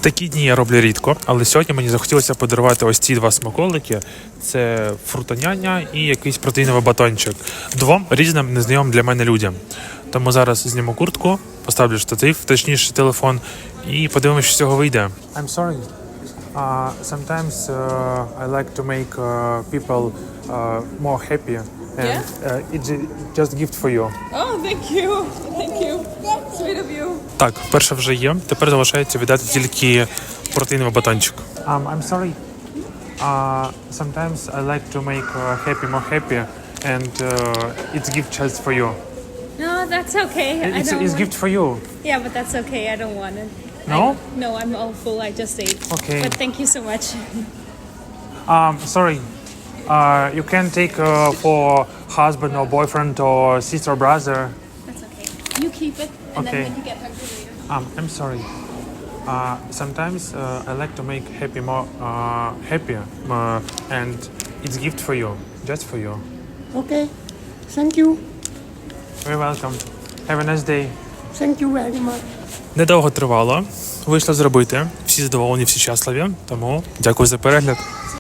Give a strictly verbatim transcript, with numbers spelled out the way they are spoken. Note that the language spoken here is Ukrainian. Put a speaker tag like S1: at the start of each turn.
S1: Такі дні я роблю рідко, але сьогодні мені захотілося подарувати ось ці два смаколики. Це фрутоняня і якийсь протеїновий батончик. Двом різним незнайомим для мене людям. Тому зараз зніму куртку, поставлю штатив, точніше телефон, і подивимося, що з цього вийде. I'm sorry. Uh, sometimes uh, I like to make uh, people uh, more happy. And
S2: Yeah?
S1: uh, it's just gift for you.
S2: Oh, thank you. Thank you. Sweet of you.
S1: Так, перше вже є. Тепер залишається віддати тільки протеїновий батончик. Um, I'm sorry. Uh, sometimes I like to make uh, happy more happy, and uh, it's gift just for you.
S2: No, that's okay. I
S1: It's,
S2: don't
S1: it's
S2: want...
S1: gift for you.
S2: Yeah, but that's okay. I don't want it.
S1: No?
S2: I... No, I'm all full. I just ate.
S1: Okay.
S2: But thank you so much.
S1: Um, sorry. Uh, you can take uh, for husband or boyfriend or sister or brother.
S2: That's okay. You keep it, and
S1: Okay.
S2: then when you get hungry later.
S1: Um, I'm sorry. Uh, sometimes uh, I like to make happy more uh, happier, uh, and it's gift for you, just for you.
S3: Okay, thank you.
S1: You're welcome. Have a nice day.
S3: Thank you very much.
S1: Недовго тривало. Вийшло зробити. Всі задоволені, всі щасливі. Тому дякую за перегляд.